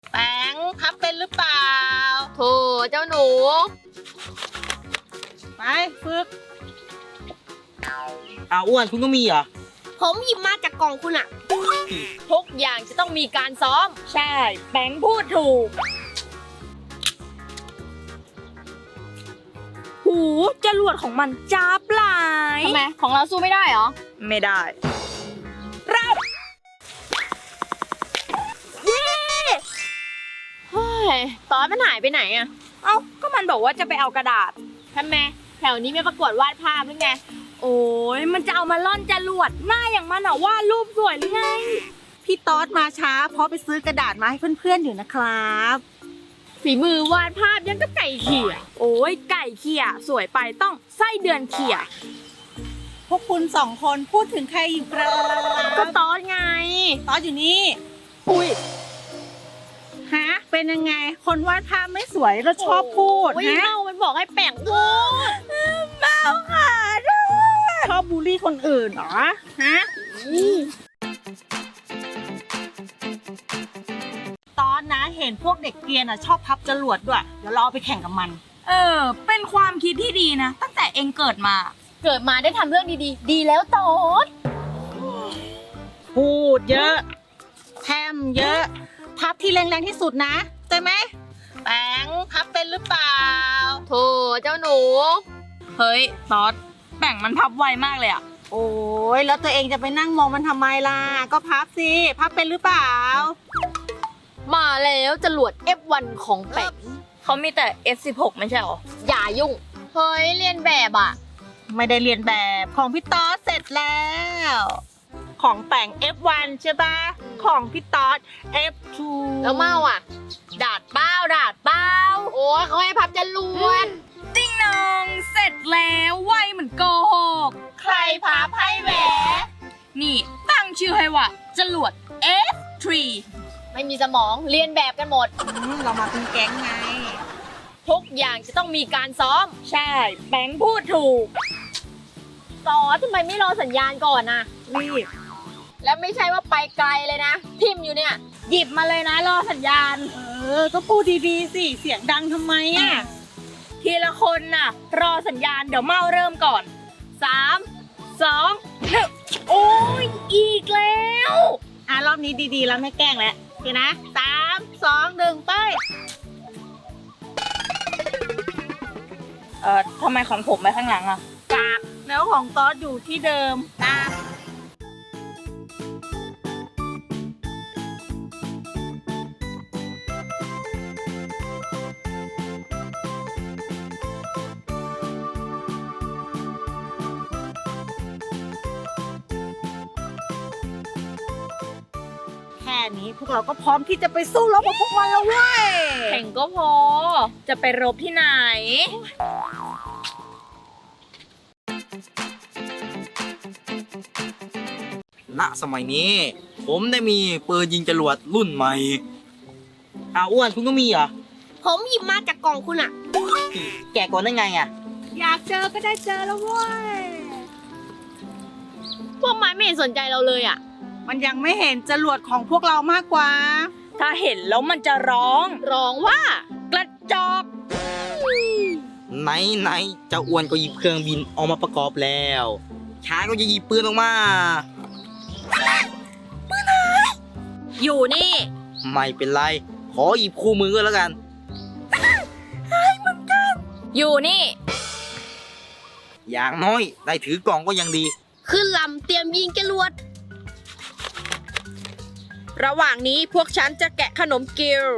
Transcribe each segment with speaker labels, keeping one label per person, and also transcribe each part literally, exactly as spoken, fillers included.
Speaker 1: แป้งพับเป็นหรือเปล่าโถเจ้าหนูไปฝึก
Speaker 2: อ้าวอ้วนคุณก็มีเหรอ
Speaker 3: ผมหยิบมาจากกล่องคุณอะ
Speaker 1: ทุกอย่างจะต้องมีการซ้อม
Speaker 3: ใช่แบงค์พูดถูกหูจรวดของมันจ้าบหลาย
Speaker 1: ทำไมของเราสู้ไม่ได้เหรอ
Speaker 3: ไม่ได้รับเย้
Speaker 1: เฮ้ยตอนมันหายไปไหนอะ
Speaker 3: เอ้าก็มันบอกว่าจะไปเอากระดาษ
Speaker 1: ทำไมแถวนี้ไม่ประกวดวาดภาพหรือไง
Speaker 3: โอ้ยมันจะเอามาล่อนจรวดหน้าอย่างมันอะวาดรูปสวยหรือไง
Speaker 4: พี่ต๊อดมาช้าเพราะไปซื้อกระดาษมาให้เพื่อนๆอยู่นะครับ
Speaker 1: ฝีมือวาดภาพยังก็ไก่เขี่ย
Speaker 3: โอ้ยไก่เขี่ยสวยไปต้องไส้เดือนเขี่ย
Speaker 4: พวกคุณสองคนพูดถึงใครอยู่ครับ
Speaker 1: ก็ต๊อดไง
Speaker 4: ต๊อดอยู่นี่
Speaker 1: อุ้ย
Speaker 4: ฮะเป็นยังไงคนวาดภาพไม่สวยแล้วชอบพูด
Speaker 1: ฮะเมามันบอกให้แป่งพูด
Speaker 4: เมาค่ะชอบบูลลี่คนอื่นเหรอฮะตอนนะเห็นพวกเด็กเกรียนอ่ะชอบพับจรวดด้วยเดี๋ยวเราเอาไปแข่งกับมัน
Speaker 3: เออเป็นความคิดที่ดีนะตั้งแต่เองเกิดมา
Speaker 1: เกิดมาได้ทำเรื่องดีๆดีแล้วต๊อด
Speaker 4: พูดเยอะแถมเยอะพับที่แรงๆที่สุดนะใช่ไหมแป้งพับเป็นหรือเปล่า
Speaker 1: โถเจ้าหนู
Speaker 3: เฮ้ยต๊อดแบ่งมันพับไวมากเลยอะ
Speaker 4: โอ้ยแล้วตัวเองจะไปนั่งมองมันทำไมล่ะก็พับสิพับเป็นหรือเปล่า
Speaker 1: มาแล้วจรวด เอฟ วัน ของแป้ง
Speaker 3: เขามีแต่ เอฟ สิบหก ไม่ใช่หรอ
Speaker 1: อย่ายุ่งเฮ้ยเรียนแบบอ่ะ
Speaker 4: ไม่ได้เรียนแบบของพี่ต๊อดเสร็จแล้วของแป้ง เอฟ วัน ใช่ปะของพี่ต๊อด เอฟ ทู
Speaker 1: แล้วเมาอ่ะดาดเป้าดาดเป้าโอ้ยเขาให้พับจรวด
Speaker 3: ติ้งนองเสร็จแล้วไวเหมือนโกหก
Speaker 1: ใครพับให้แหว
Speaker 3: นี่ตั้งชื่อให้ว่าจรวด เอฟ ทรี
Speaker 1: ไม่มีสมองเรียนแบบกันหมด
Speaker 4: เรามาเป็นแก๊งไง
Speaker 1: ทุกอย่างจะต้องมีการซ้อม
Speaker 3: ใช่แบงค์พูดถูก
Speaker 1: ต่อทำไมไม่รอสัญญาณก่อนนะ
Speaker 4: รีบ
Speaker 1: แล้วไม่ใช่ว่าไปไกลเลยนะพิมพ์อยู่เนี่ย
Speaker 3: หยิบมาเลยนะรอสัญญาณ
Speaker 4: เออก็พูดดีๆสิเสียงดังทำไมอ่ะ
Speaker 3: ทีละคนน่ะรอสัญญาณเดี๋ยวเมาเริ่มก่อนสามสองหนึ่งโอ้ยอีกแล้ว
Speaker 4: อ่ะรอบนี้ดีๆแล้วไม่แกล้งแล้วโอเคนะสามสองหนึ่งไป
Speaker 3: เอ่อทำไมของผมไปข้างหลังอ่ะ
Speaker 4: กากแล้วของต๊อดอยู่ที่เดิมตาแค่นี้พวกเราก็พร้อมที่จะไปสู้รบกับพวกมันแล้วเว้ย
Speaker 3: แข่งก็พอจะไปรบที่ไหน
Speaker 2: ณสมัยนี้ผมได้มีปืนยิงจรวดรุ่นใหม่อ้าวอ้วนคุณก็มีเหรอ
Speaker 3: ผมหยิบมาจากกล่องคุณอะ
Speaker 2: แกะก่อนได้ไงอะ
Speaker 4: อยากเจอก็ได้เจอแล้วเว้ย
Speaker 1: พวกมันไม่เห็นสนใจเราเลยอ่ะ
Speaker 4: มันยังไม่เห็นจรวดของพวกเรามากกว่า
Speaker 3: ถ้าเห็นแล้วมันจะร้อง
Speaker 1: ร้องว่ากระจอก
Speaker 2: ไหนไหนเจ้าอ้วนก็หยิบเครื่องบินออกมาประกอบแล้วช้างก็จะหยิบปืนออกมา
Speaker 3: ปืนไหนอยู่นี่
Speaker 2: ไม่เป็นไรขอหยิบคู่มือก็แล้วกัน
Speaker 3: ไอ้เหมือนกันอยู่นี่
Speaker 2: อย่างน้อยได้ถือกล่องก็ยังดี
Speaker 3: ขึ้นลำเตรียมยิงจรวดระหว่างนี้พวกฉันจะแกะขนมกิล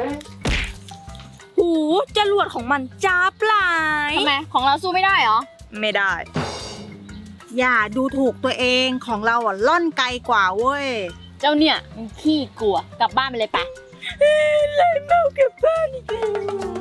Speaker 3: หูจรวดของมันจ้าบหลาย
Speaker 1: ทำไมของเราสู้ไม่ได้เหรอ
Speaker 3: ไม่ได้
Speaker 4: อย่าดูถูกตัวเองของเราอ่ะล่อนไกลกว่าเว้ย
Speaker 1: เจ้าเนี่ยมันขี้กลัวกลับบ้านไปเลยไป
Speaker 3: เลยเมากลับบ้านอีกแล้ว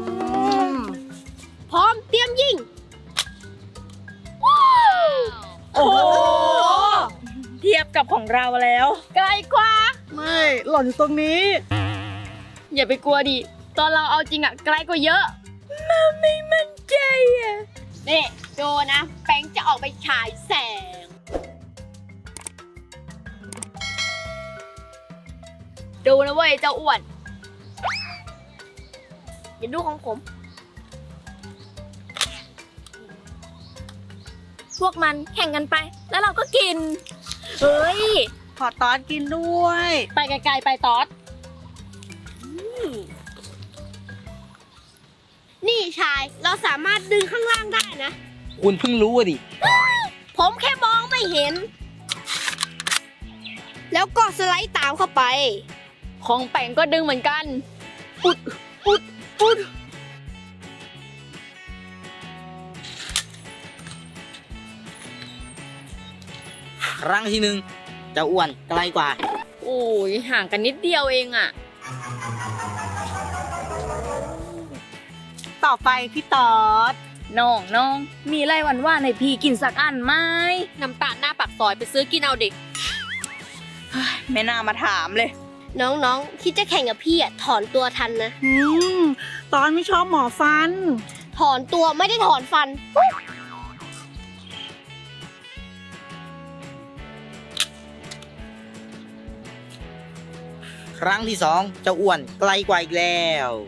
Speaker 1: พร้อมเตรียมยิง
Speaker 3: โอ้โหเทียบกับของเราแล้ว
Speaker 1: ไกลกว่า
Speaker 4: ไม่หล่อนอยู่ตรงนี้
Speaker 1: อย่าไปกลัวดิตอนเราเอาจริงอะไกลกว่าเยอะ
Speaker 3: มาไม่มั่นใจอะ
Speaker 1: นี่โจนะแป้งจะออกไปฉายแสงดูนะเว้ยเจ้าอ้วนอย่าดูของผม
Speaker 3: พวกมันแข่งกันไป แล้วเราก็กิน เฮ้ย
Speaker 4: ขอตอนกินด้วย
Speaker 3: ไปไกลๆไปตอด
Speaker 1: นี่ชาย เราสามารถดึงข้างล่างได้นะ
Speaker 2: คุณเพิ่งรู้อะดิ
Speaker 1: ผมแค่มองไม่เห็น แล้วก็สไลด์ตามเข้าไป
Speaker 3: ของแป่งก็ดึงเหมือนกัน
Speaker 1: อุด อุด อุด
Speaker 2: ครั้งที่หนึ่งเจ้าอ้วนไกลกว่า
Speaker 3: โอ้ยห่างกันนิดเดียวเองอะ
Speaker 4: ต่อไปพี่ตอด
Speaker 3: น้องน้องมีไรหวันว่าในพี่กินสักอันไหม
Speaker 1: น้ำตาลหน้าปากซอยไปซื้อกินเอาดิ
Speaker 3: ไม่น่ามาถามเลย
Speaker 1: น้องๆ คิดจะแข่งกับพี่อ่ะ ถอนตัวทันนะ
Speaker 4: อืม ตอนไม่ชอบหมอฟัน
Speaker 1: ถอนตัวไม่ได้ถอนฟัน
Speaker 2: ครั้งที่สองเจ้าอ้วนไกลกว่าอีกแล้ว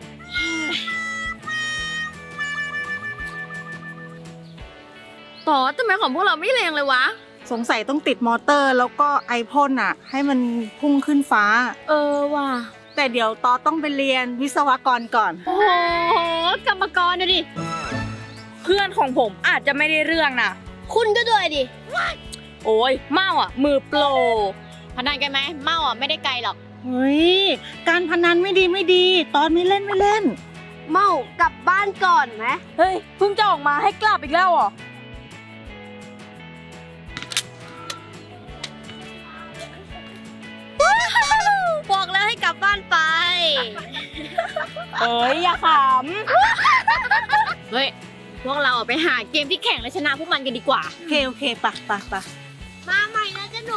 Speaker 3: ต่อทำไมของพวกเราไม่แรงเลยวะ
Speaker 4: สงสัยต้องติดมอเตอร์แล้วก็ไอพ่นอ่ะ ให้มันพุ่งขึ้นฟ้า
Speaker 3: เออว่ะ
Speaker 4: แต่เดี๋ยวตอต้องไปเรียนวิศวกรก่อน
Speaker 3: โอ้โหกรรมกรนะดิ เพื่อนของผมอาจจะไม่ได้เรื่องนะ
Speaker 1: คุณก็ด้วยดิ
Speaker 3: โอ้ยเมาอ่ะ มือโปร
Speaker 1: พนันกันไหม เมาอ่ะไม่ได้ไกลหรอก
Speaker 4: เฮ้ย การพนันไม่ดีไม่ดี ตอนไม่เล่นไม่เล่น
Speaker 1: เมากลับบ้านก่อนไหม
Speaker 3: เฮ้ยเพิ่งจะออกมาให้กลับอีกแล้วเหรอ
Speaker 1: บอกแล้วให้กลับบ้านไป
Speaker 3: เฮ้ย อย่าข
Speaker 1: เฮ้ย พวกเราออกไปหาเกมที่แข่งและชนะพวกมันกันดีกว่า
Speaker 4: โอเคโอเคปะปะปะ
Speaker 1: มาใหม่นะจ๊ะหนู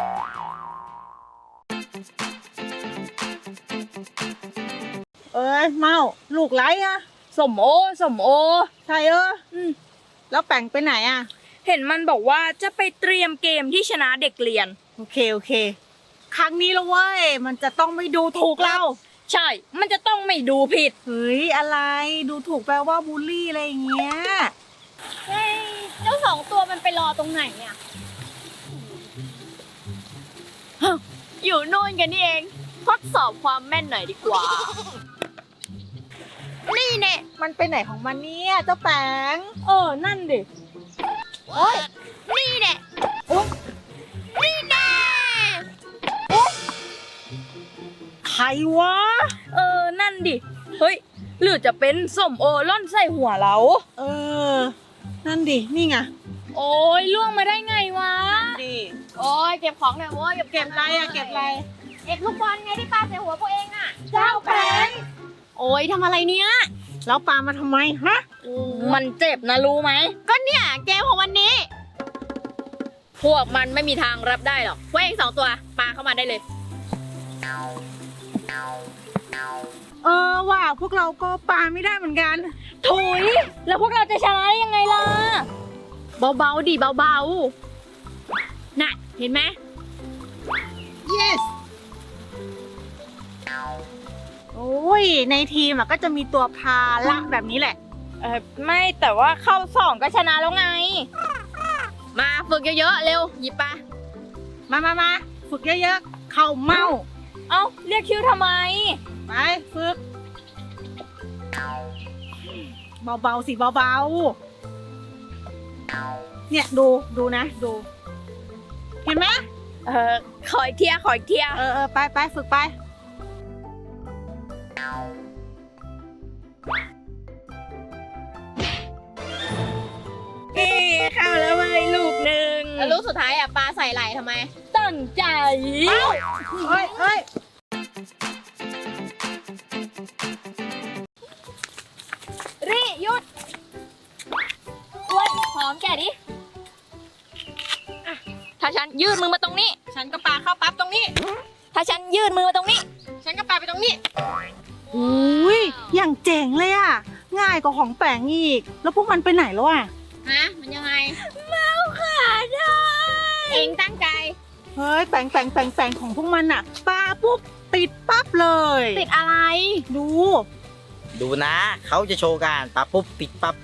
Speaker 4: เอ้ยเมาลูกไรอะ
Speaker 3: ำสมโอ สมโอ
Speaker 4: ใช่เออ
Speaker 3: อืม
Speaker 4: แล้วแป่งไปไหนอะ
Speaker 3: เห็นมันบอกว่าจะไปเตรียมเกมที่ชนะเด็กเรียน
Speaker 4: โอเคโอเค ครั้งนี้แล้วเว้ย มันจะต้องไม่ดูถูกเรา
Speaker 3: ใช่ มันจะต้องไม่ดูผิด
Speaker 4: เฮ้ย อะไรดูถูกแปลว่าบูลลี่อะไรอย่างเงี้ย
Speaker 1: เฮ้ย เจ้าสองตัวมันไปรอตรงไหนเนี่ย
Speaker 3: อยู่โน่นกันนี่เอง ทดสอบความแม่นหน่อยดีกว่า
Speaker 1: นี่แน่
Speaker 4: มันไปไหนของมันเนี่ยเจ้าแปง
Speaker 3: เออ นั่นดิ
Speaker 1: โอ้ยนี่แน่โอ๊ยนี่แน่
Speaker 4: ใครวะ
Speaker 3: เออ นั่นดิ เฮ้ย หรือจะเป็นสมโอล่อนใส่หัวเรา
Speaker 4: เออ นั่นดิ นี่ไง
Speaker 3: โอ้ยล่วงมาได้ไงวะ
Speaker 4: ดิ
Speaker 1: โอ้ยเก็บของหน่อยโว้ย
Speaker 4: เก็บอะไรอะเก็บอะไร
Speaker 1: เก็บลูกบอลไงที่ปาใส่หัวพวกเองอ่ะ
Speaker 4: เจ้าแปง
Speaker 1: โอ้ยทำอะไรเนี่ย
Speaker 4: แล้วปามาทำไมฮะ
Speaker 3: มันเจ็บนะรู้ไหม
Speaker 1: ก็เนี่ยเกมของวันนี้
Speaker 3: พวกมันไม่มีทางรับได้หรอก
Speaker 1: พวกเองสองตัวปาเข้ามาได้เลย
Speaker 4: เออว่าพวกเราก็ปาไม่ได้เหมือนกัน
Speaker 3: ถุย แล้วพวกเราจะชนะได้ยังไงล่ะ
Speaker 1: เบาๆดิเบาๆน่ะเห็นไหม
Speaker 4: yes โอ้ย ในทีมอะก็จะมีตัวพาละแบบนี้แหละ
Speaker 3: เออไม่แต่ว่าเข้าสองก็ชนะแล้วไง
Speaker 1: มาฝึกเยอะๆเร็วหยิบปา
Speaker 4: มามามาฝึกเยอะๆ เข้าเมา
Speaker 3: เอ้า เรียกชื่อทำไม
Speaker 4: ไปฝึก เบาๆสิเบาๆ เนี่ยดูดูนะ ดู เห็นไหม
Speaker 3: เออขออีกเทียขออีกเทีย
Speaker 4: เออเออไปไปฝึกไป
Speaker 3: เอ้เข้าแล้วเว้ยลูกหนึ่ง
Speaker 1: แล้วลูกสุดท้ายอ่ะปาใส่ไหลทำไม
Speaker 3: ตั้งใจ
Speaker 4: เฮ้ยเฮ้ย
Speaker 3: รีหยุดอ้วนหอมแกดิอ่ะถ้าฉันยืดมือมาตรงนี้
Speaker 4: ฉันก็ปาเข้าปั๊บตรงนี้
Speaker 3: ถ้าฉันยืดมือมาตรงนี้
Speaker 1: ฉันก็ปาไปตรงนี้
Speaker 4: อุ้ยอย่างเจ๋งเลยอ่ะ ง่ายกว่าของแปงอีก แล้วพวกมันไปไหนแล้วอ่ะ
Speaker 1: ฮะ มันยังไง เมาขาได้เองตั้งใจ
Speaker 4: เฮ้ยแปงแปงแปงแปงของพวกมันอ่ะปาปุ๊บติดปั๊บเลย
Speaker 1: ติดอะไร
Speaker 4: ดู
Speaker 2: ดูนะ เขาจะโชว์การปั๊บปุ๊บติดปั๊บ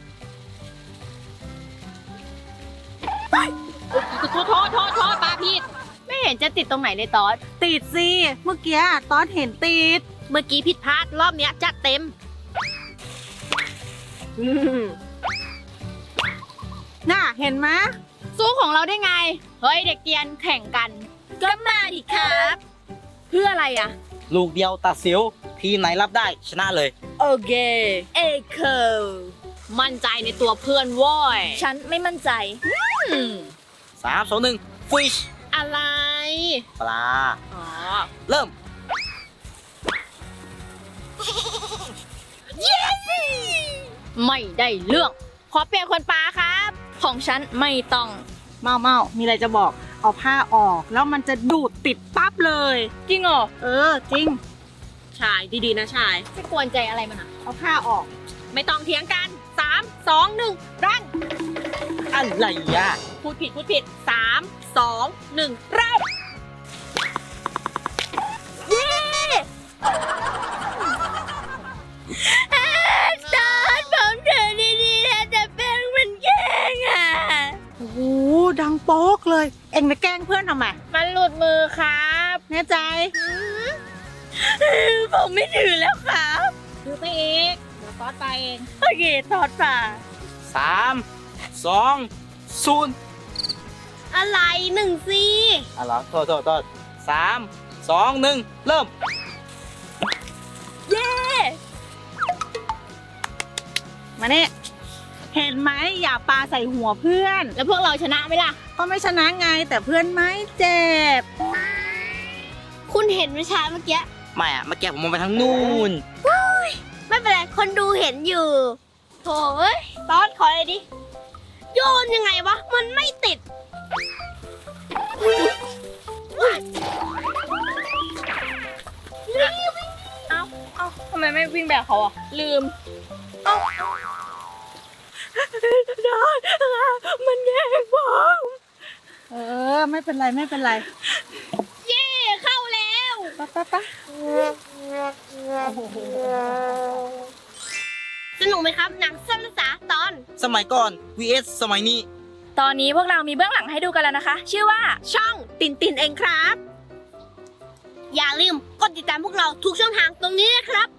Speaker 3: โทษโทษโทษโทษปาผิดไม่เห็นจะติดตรงไหนเลยตอด
Speaker 4: ติดสิ เมื่อกี้ตอนเห็นติด
Speaker 3: เมื่อกี้ผิดพลาดรอบเนี้ยจัดเต็มอืม
Speaker 4: น่ะ เห็นไหม
Speaker 3: สู้ของเราได้ไง เฮ้ยเด็กเกรียนแข่งกัน ก็มาดิครับ เพื่ออะไรอ่ะ
Speaker 2: ลูกเดียวตัดสิว ทีมไหนรับได้ชนะเลย
Speaker 3: โอเค เอเคมั่นใจในตัวเพื่อนว้อยฉันไม่มั่นใจ อืม
Speaker 2: สาม สอง หนึ่ง ฟิช
Speaker 3: อะไร
Speaker 2: ปลา
Speaker 3: อ๋อ
Speaker 2: เริ่ม
Speaker 3: ไม่ได้เรื่อง ขอเปลี่ยนคนปลาครับ ของฉันไม่ต้อง
Speaker 4: เมาเมามีอะไรจะบอก เอาผ้าออก แล้วมันจะดูดติดปั๊บเลย
Speaker 3: จริงเหรอ
Speaker 4: เออ จริง
Speaker 3: ชายดีๆนะชายไม่กวนใจอะไรมันอ่ะ
Speaker 4: เอาผ้าออก
Speaker 3: ไม่ต้องเถียงกันสามสองหนึ่งรัน
Speaker 2: อะไรอ่ะ
Speaker 3: พูดผิดพูดผิดสามสองหนึ่งเริ่มเย้ตอนผมเดินดีๆนะแต่แป้งมันแย่งอ่ะ
Speaker 4: โอ้โห ดังโป๊กเลย เอ็งไปแกล้งเพื่อนทำไม
Speaker 3: มันหลุดมือครับ
Speaker 4: แน่ใจ
Speaker 3: ผมไม่ถือแล้วครับ
Speaker 4: ถือไปเองเดี๋ยวตอดไปเอง
Speaker 3: โอเคทอดป่า
Speaker 2: สาม สอง ศูนย์
Speaker 3: อะไรหนึ่งซี
Speaker 2: อ่ะเหรอ โทษโทษโทษสาม สอง หนึ่ง เริ่ม
Speaker 3: เย้
Speaker 4: มาเนี่ยเห็นไหมอย่าปาใส่หัวเพื่อน
Speaker 3: แล้วพวกเราชนะไหมล่ะ
Speaker 4: ก็ไม่ชนะไงแต่เพื่อนไม่เจ็บ
Speaker 3: คุณเห็นวิชาเมื่อกี้
Speaker 2: ไม่อะเมื่อกี้ผมมองไปทางนู่น
Speaker 3: ไม่เป็นไร คนดูเห็นอยู่โถ่เอ้ยตอนขอเลยดิ โยนยังไงวะ มันไม่ติด เอ้า เอ้าทำไมไม่วิ่งแบบเขาอ่ะ ลืม เอ้าได้มันแย่งผม
Speaker 4: เออ ไม่เป็นไรไม่เป็นไร
Speaker 3: เย่เข้าแล้ว
Speaker 4: ปะปะปะ
Speaker 3: สนุกไหมครับหนังสั้นภาษาตอน
Speaker 2: สมัยก่อน วี เอส สมัยนี้
Speaker 3: ตอนนี้พวกเรามีเบื้องหลังให้ดูกันแล้วนะคะ ชื่อว่าช่องตินตินเองครับ อย่าลืมกดติดตามพวกเราทุกช่องทางตรงนี้นะครับ